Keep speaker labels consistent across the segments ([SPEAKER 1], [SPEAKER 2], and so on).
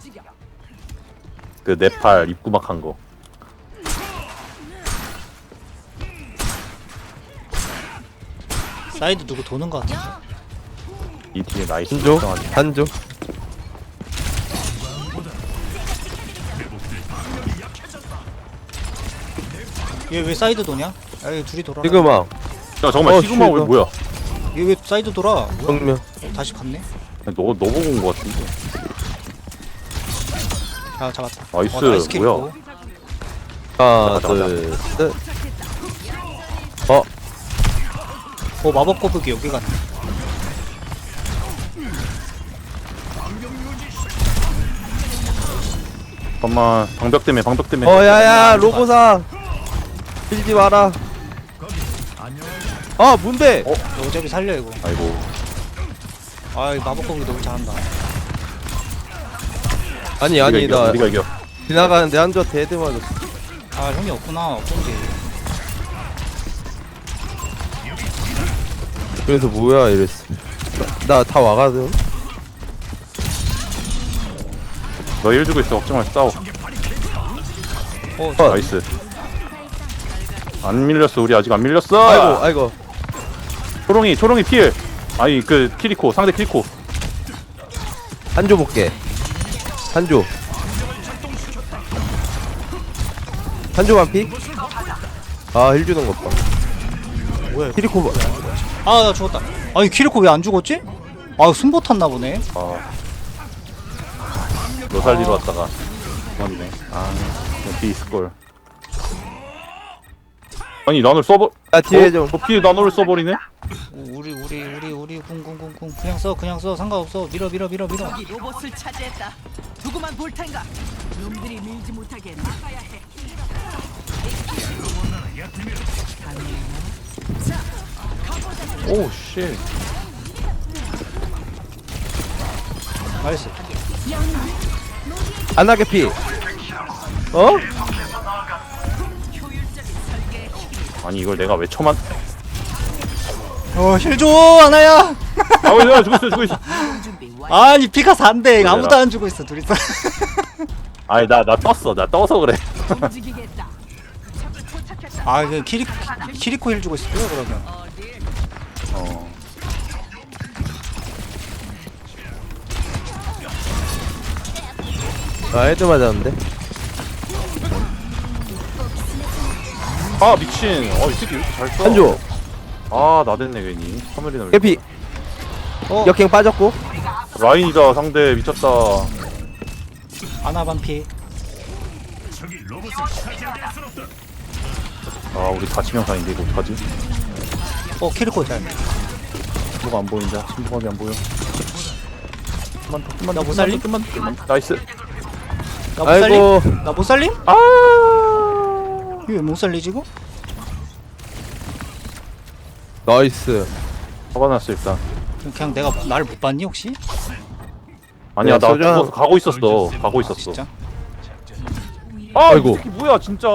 [SPEAKER 1] 그 네팔 입구막 한 거.
[SPEAKER 2] 사이드 누구 도는 거 같아.
[SPEAKER 1] 이 뒤에 나이스.
[SPEAKER 3] 한조
[SPEAKER 1] 걱정하지 마.
[SPEAKER 3] 한조
[SPEAKER 2] 얘 왜 사이드 도냐? 아, 얘 둘이 돌아.
[SPEAKER 3] 시그마
[SPEAKER 1] 야 잠깐만 시그마 왜
[SPEAKER 3] 쉴드.
[SPEAKER 1] 뭐야?
[SPEAKER 2] 얘 왜 사이드 돌아? 뭐야?
[SPEAKER 3] 정면
[SPEAKER 2] 다시 갔네.
[SPEAKER 1] 너 보고 온 거 같은데.
[SPEAKER 2] 아 잡았다.
[SPEAKER 1] 나이스,
[SPEAKER 2] 나이스 킬
[SPEAKER 1] 뭐야?
[SPEAKER 2] 있고.
[SPEAKER 3] 하나
[SPEAKER 1] 가자.
[SPEAKER 3] 둘셋
[SPEAKER 2] 마법 거북이 여기 갔네.
[SPEAKER 1] 잠깐만 방벽 때문에
[SPEAKER 3] 야야 로보사 빌지 마라 아 뭔데
[SPEAKER 2] 어차피 살려 이거.
[SPEAKER 1] 아이고
[SPEAKER 2] 아, 이 마법 거북이 너무 잘한다.
[SPEAKER 3] 아니 아니 나
[SPEAKER 1] 우리가 이겨.
[SPEAKER 3] 지나가는데 한조한테 헤드 맞았어
[SPEAKER 2] 아, 형이 없구나. 어쩐지.
[SPEAKER 3] 그래서 뭐야 이랬어 나 다 와가든
[SPEAKER 1] 너 일 주고 있어. 걱정 마. 싸워. 나이스. 안 밀렸어. 우리 아직 안 밀렸어.
[SPEAKER 3] 아이고
[SPEAKER 1] 초롱이 필. 아니 그 키리코 상대 키리코.
[SPEAKER 3] 한조 볼게 한조 반피 힐 주는 것봐
[SPEAKER 2] 뭐야? 이거.
[SPEAKER 3] 키리코
[SPEAKER 2] 아, 나 죽었다. 아니, 키리코 왜 안 죽었지? 아, 숨보 탔나 보네.
[SPEAKER 1] 너 살리러 왔다가 그만이네. 뒤에 있을 걸. 아니 난을 써버.
[SPEAKER 3] 뒤에 좀
[SPEAKER 1] 저 피해 난을 써버리네.
[SPEAKER 2] 우리 쿵쿵쿵쿵 그냥 써 상관없어. 밀어.
[SPEAKER 4] 여기 로봇을 차지했다. 두고만 볼 텐가. 놈들이 밀지 못하게 막아야 해.
[SPEAKER 1] 오 씨.
[SPEAKER 2] 나이스.
[SPEAKER 3] 안하게 피
[SPEAKER 1] 아니 이걸 내가 왜 쳐만?
[SPEAKER 2] 힐 줘, 하나야.
[SPEAKER 1] 야 죽고 있어.
[SPEAKER 4] 준비 완.
[SPEAKER 2] 아니, 피가 4인데 아무도 안 주고 있어, 둘이서.
[SPEAKER 1] 아니 나 떴어. 나 떠서 그래.
[SPEAKER 4] 움직이겠다. 적을 포착했다.
[SPEAKER 2] 아, 그 키리코 힐 주고 있었고요, 그러면.
[SPEAKER 1] 어.
[SPEAKER 3] 헤드 맞았는데
[SPEAKER 1] 아 미친. 이 새끼 왜 이렇게 잘 써?
[SPEAKER 3] 한조
[SPEAKER 1] 나댔네 괜히. 카메리나.
[SPEAKER 3] 개피 역행 빠졌고
[SPEAKER 1] 라인이다 상대 미쳤다.
[SPEAKER 2] 아나 반피.
[SPEAKER 1] 우리 4치명상인데 이거 어떡하지?
[SPEAKER 2] 키리코 잘.
[SPEAKER 1] 뭐가 안 보인다. 침묵하게 안 보여.
[SPEAKER 2] 나 못 살림?
[SPEAKER 1] 좀만. 나이스.
[SPEAKER 2] 나 못 살림?
[SPEAKER 3] 아이고
[SPEAKER 2] 나 못 살림?
[SPEAKER 1] 아.
[SPEAKER 2] 이거 왜 못 살리지, 이거?
[SPEAKER 3] 나이스
[SPEAKER 1] 화가 났어 일단.
[SPEAKER 2] 그냥 내가 나를 못 봤니, 혹시?
[SPEAKER 1] 아니야 나
[SPEAKER 3] 소장.
[SPEAKER 1] 죽어서 가고 있었어.
[SPEAKER 2] 진짜?
[SPEAKER 3] 아이고.
[SPEAKER 1] 이 새끼 뭐야 진짜.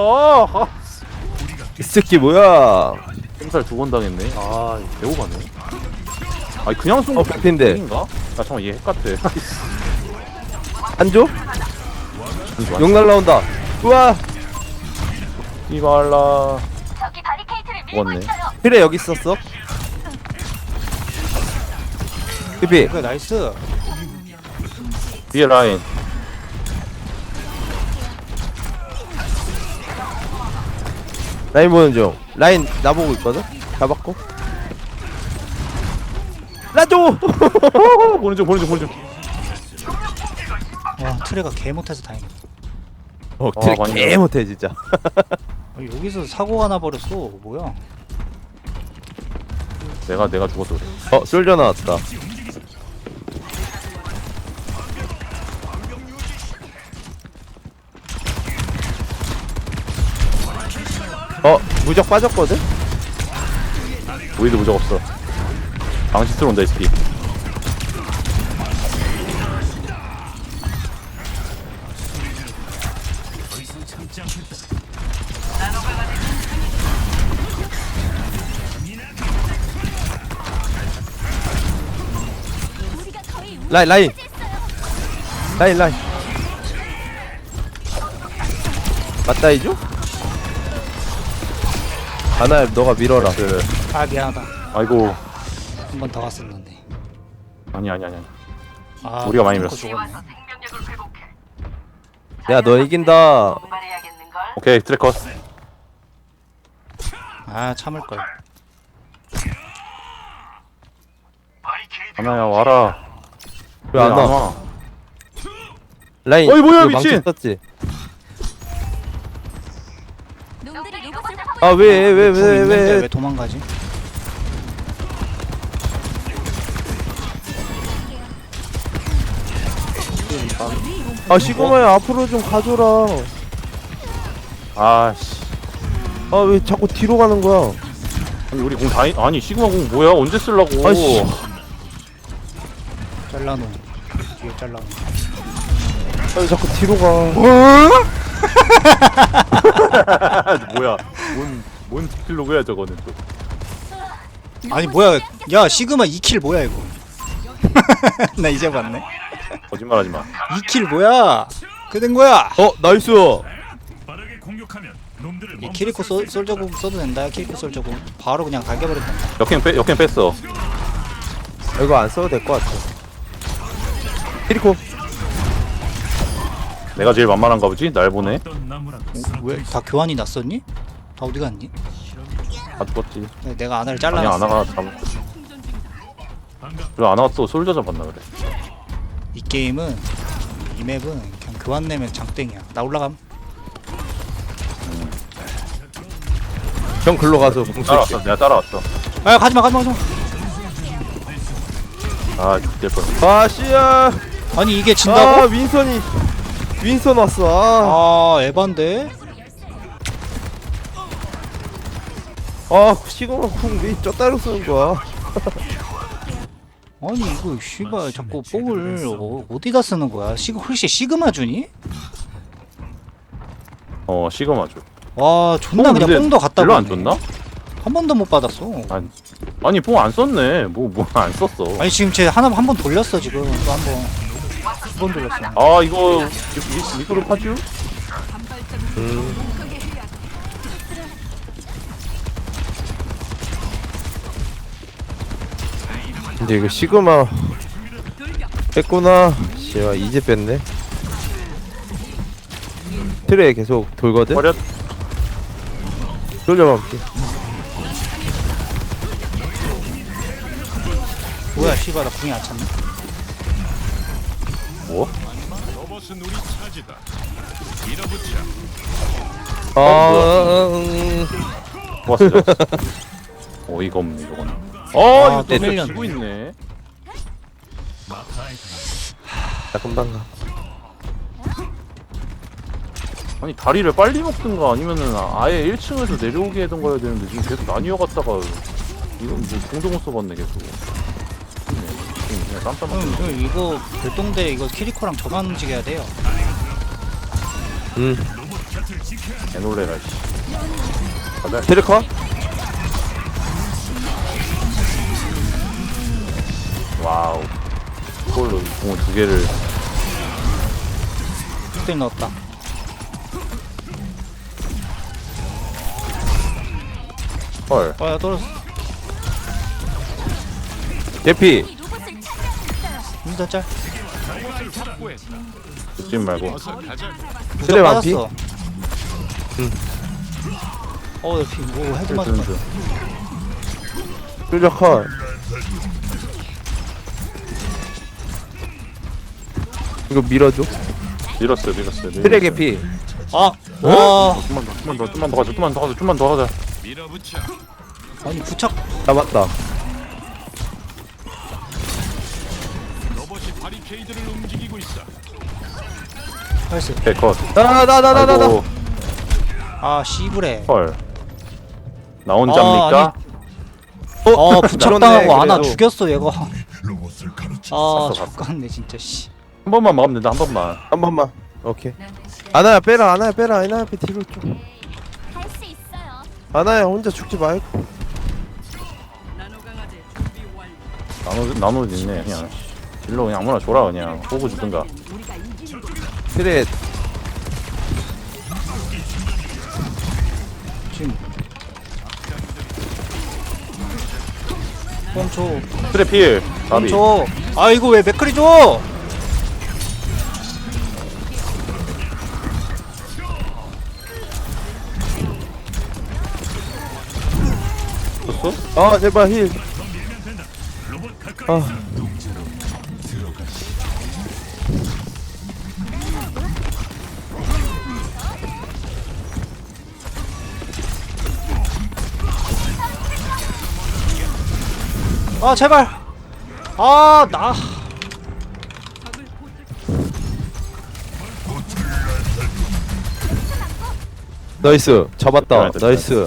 [SPEAKER 3] 이 새끼 뭐야
[SPEAKER 1] 살 2번 당했네. 배우가네. 아니 그냥 쏜 거.
[SPEAKER 3] 백핀데
[SPEAKER 1] 인가? 나 잠깐 얘 핵같아.
[SPEAKER 3] 한조? 용 날라온다 우와
[SPEAKER 1] 이발라. 죽었네.
[SPEAKER 3] 그래 여기 있었어 피피
[SPEAKER 2] 그래, 나이스.
[SPEAKER 1] 뒤에 라인.
[SPEAKER 3] 라인 보는 중 라인 나보고 있거든 잡았고 라조
[SPEAKER 1] 보는 중.
[SPEAKER 2] 와, 트레가 개 못해서 다행이다.
[SPEAKER 3] 트랙
[SPEAKER 1] 많이
[SPEAKER 3] 개 못해 진짜
[SPEAKER 2] 여기서 사고가 나버렸어. 뭐야?
[SPEAKER 1] 내가 죽어서 그래.
[SPEAKER 3] 솔져 나왔다 무적 빠졌거든?
[SPEAKER 1] 우리도 무적 없어. 방시 들어온다 이 새끼.
[SPEAKER 3] 라인 맞다 이죠? 아나야 너가 밀어라.
[SPEAKER 1] 그
[SPEAKER 2] 아 미안하다.
[SPEAKER 1] 아이고
[SPEAKER 2] 한 번 더 갔었는데.
[SPEAKER 1] 아니.
[SPEAKER 2] 아,
[SPEAKER 1] 우리가 많이
[SPEAKER 2] 탱커
[SPEAKER 1] 밀었어.
[SPEAKER 2] 죽었네.
[SPEAKER 3] 야 너 이긴다.
[SPEAKER 1] 오케이 트래커.
[SPEAKER 2] 아 참을 걸.
[SPEAKER 1] 하나야 와라.
[SPEAKER 3] 왜 안 와? 라인.
[SPEAKER 1] 어이, 뭐야,
[SPEAKER 3] 이거 망치
[SPEAKER 1] 미친!
[SPEAKER 3] 썼지?
[SPEAKER 5] 놈들이 로봇을
[SPEAKER 3] 아 왜 왜
[SPEAKER 2] 궁
[SPEAKER 3] 왜
[SPEAKER 2] 있는데
[SPEAKER 3] 왜?
[SPEAKER 2] 왜 도망가지?
[SPEAKER 3] 아 시그마야 앞으로 좀 가줘라.
[SPEAKER 1] 아씨.
[SPEAKER 3] 아 왜 자꾸 뒤로 가는 거야?
[SPEAKER 1] 아니 우리 공 다이 아니 시그마 공 뭐야 언제 쓰려고?
[SPEAKER 3] 아이씨.
[SPEAKER 2] 잘라놓은. 뒤에 잘라놓은.
[SPEAKER 3] 아 왜 자꾸 뒤로 가?
[SPEAKER 1] 뭐야? 뭔 킬로그야 저거는 또.
[SPEAKER 2] 아니 뭐야? 야 시그마 2킬 뭐야 이거? 나 이제 봤네.
[SPEAKER 1] 거짓말하지 마.
[SPEAKER 2] 2킬 뭐야? 그 된 거야.
[SPEAKER 3] 어 나이스.
[SPEAKER 6] 빠르게 공격하면 놈들을
[SPEAKER 2] 이 키리코 솔저공 써도 된다. 키리코 솔저공 바로 그냥 갈겨버릴 건다.
[SPEAKER 1] 역행 뺐어.
[SPEAKER 3] 이거 안 써도 될 것 같아. 키리코.
[SPEAKER 1] 내가 제일 만만한가 보지? 날 보네.
[SPEAKER 6] 어떤 나무라도
[SPEAKER 2] 왜 다 교환이 났었니? 다 어디 갔니?
[SPEAKER 1] 다 죽었지.
[SPEAKER 2] 내가 아나를
[SPEAKER 1] 아니
[SPEAKER 2] 잘라놨어.
[SPEAKER 1] 아나가 잡. 왜 안 왔어? 솔저 잡았나 그래.
[SPEAKER 2] 이 게임은 이 맵은 그냥 교환 내면 장땡이야. 나 올라감.
[SPEAKER 3] 형 글로 가서 공 쓸게.
[SPEAKER 1] 따라왔어. 내가 따라왔어.
[SPEAKER 2] 아 가지마.
[SPEAKER 1] 아 죽될 뻔.
[SPEAKER 3] 아 씨야.
[SPEAKER 2] 아니 이게
[SPEAKER 3] 아
[SPEAKER 2] 진다고?
[SPEAKER 3] 윈선 왔어. 아.
[SPEAKER 2] 아 에반데?
[SPEAKER 3] 아 시그마 쿵왜 쩌따로 쓰는 거야?
[SPEAKER 2] 아니 이거 씨발 자꾸 뽕을 어디다 쓰는 거야? 혹시 시그마 주니?
[SPEAKER 1] 시그마 줘.
[SPEAKER 2] 와 존나 그냥 뽕도 갖다
[SPEAKER 1] 별로 안
[SPEAKER 2] 버리네.
[SPEAKER 1] 줬나?
[SPEAKER 2] 한 번도 못 받았어.
[SPEAKER 1] 아니 뽕 안 썼네. 뭐 안 썼어.
[SPEAKER 2] 아니 지금 쟤 한 번 돌렸어 지금 또 한 번. 두 번 돌렸어.
[SPEAKER 1] 아 이거 미끄러 파주?
[SPEAKER 3] 근데 이거 시그마 뺐구나. 씨야 이제 뺐네. 트레에 계속 돌거든.
[SPEAKER 1] 버렸.
[SPEAKER 3] 돌려볼게.
[SPEAKER 2] 뭐야 씨발 나 궁이 안 찼네.
[SPEAKER 1] 뭐?
[SPEAKER 6] 로봇은 우리 차지다. 밀어붙여.
[SPEAKER 1] 좋았어. 어이가 없네 이거는.
[SPEAKER 2] 아,
[SPEAKER 1] 이거
[SPEAKER 2] 또
[SPEAKER 1] 또
[SPEAKER 2] 밀렸네.
[SPEAKER 1] 지고 있네.
[SPEAKER 3] 나 금방 가.
[SPEAKER 1] 아니 다리를 빨리 먹든가 아니면은 아예 1층에서 내려오게 하던 거야 되는데 지금 계속 나뉘어 갔다가 이건 뭐 공도 못 써봤네 계속. 그냥 깜짝 놀랐네.
[SPEAKER 2] 형 이거 별동대 이거 키리코랑 저만 움직여야 돼요.
[SPEAKER 1] 개놀래라 씨. 가자.
[SPEAKER 3] 트레커?
[SPEAKER 1] 와우. 이걸로 공을 2개를.
[SPEAKER 2] 흑들 넣었다.
[SPEAKER 1] 헐.
[SPEAKER 2] 야 떨어졌어.
[SPEAKER 3] 개피.
[SPEAKER 5] 로봇을 찾았어요.
[SPEAKER 2] 힘들 짤.
[SPEAKER 1] 죽지 말고.
[SPEAKER 3] 트레 완피?
[SPEAKER 2] 빠졌어. 뭐 헤드 맞았다.
[SPEAKER 1] 든든.
[SPEAKER 3] 쫄려 컷. 이거 밀어줘.
[SPEAKER 1] 밀었어.
[SPEAKER 3] 트레 개피.
[SPEAKER 2] 아, 와,
[SPEAKER 1] 좀만 더 가자.
[SPEAKER 6] 밀어붙여.
[SPEAKER 2] 아니 부착.
[SPEAKER 3] 잡았다.
[SPEAKER 6] 로봇이 바리케이드를 움직이고 있어.
[SPEAKER 2] 나이스.
[SPEAKER 1] 개컷.
[SPEAKER 3] 나나.
[SPEAKER 1] 아이고.
[SPEAKER 2] 아 씨부레.
[SPEAKER 1] 헐. 나 혼자입니까?
[SPEAKER 2] 부착당하고
[SPEAKER 3] 그렇네,
[SPEAKER 2] 아나
[SPEAKER 3] 그래도.
[SPEAKER 2] 죽였어 얘가.
[SPEAKER 6] 로봇을 가르쳐.
[SPEAKER 2] 아
[SPEAKER 1] 봤어.
[SPEAKER 2] 죽겠네 진짜 씨.
[SPEAKER 1] 한 번만 막으면 된다. 한 번만.
[SPEAKER 3] 한 번만. 오케이. 아나야 빼라. 아나야 앞에 뒤로 좀.
[SPEAKER 5] 할 수 있어요.
[SPEAKER 3] 아나야 혼자 죽지 말고.
[SPEAKER 4] 나노 강아지 준비 완료.
[SPEAKER 1] 나눠 있네 그냥. 딜러 그냥 아무나 줘라 그냥. 호구 주든가.
[SPEAKER 4] 우리가 이기는 거.
[SPEAKER 3] 트레
[SPEAKER 2] 지금 뻥쳐
[SPEAKER 1] 트레 필. 나비.
[SPEAKER 2] 뻥쳐. 아 이거 왜 맥크리 줘?
[SPEAKER 1] 줬어?
[SPEAKER 3] 아 제발 힐. 아
[SPEAKER 2] 아 제발. 아 나.
[SPEAKER 3] 나이스 잡았다.
[SPEAKER 1] 됐다,
[SPEAKER 3] 나이스.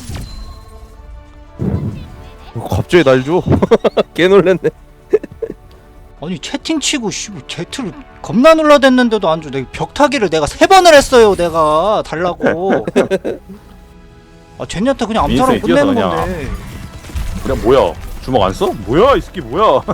[SPEAKER 3] 갑자기 날 줘. 개 놀랬네.
[SPEAKER 2] 아니 채팅 치고 씨발 Z를 겁나 눌러댔는데도 안 줘. 내가 벽타기를 내가 3번을 했어요. 내가 달라고. 아 젠야타 그냥 암살하고
[SPEAKER 1] 민스에 뛰어서
[SPEAKER 2] 끝내는
[SPEAKER 1] 그냥.
[SPEAKER 2] 건데.
[SPEAKER 1] 그냥 뭐야? 주먹 안 써? 뭐야 이 새끼 뭐야?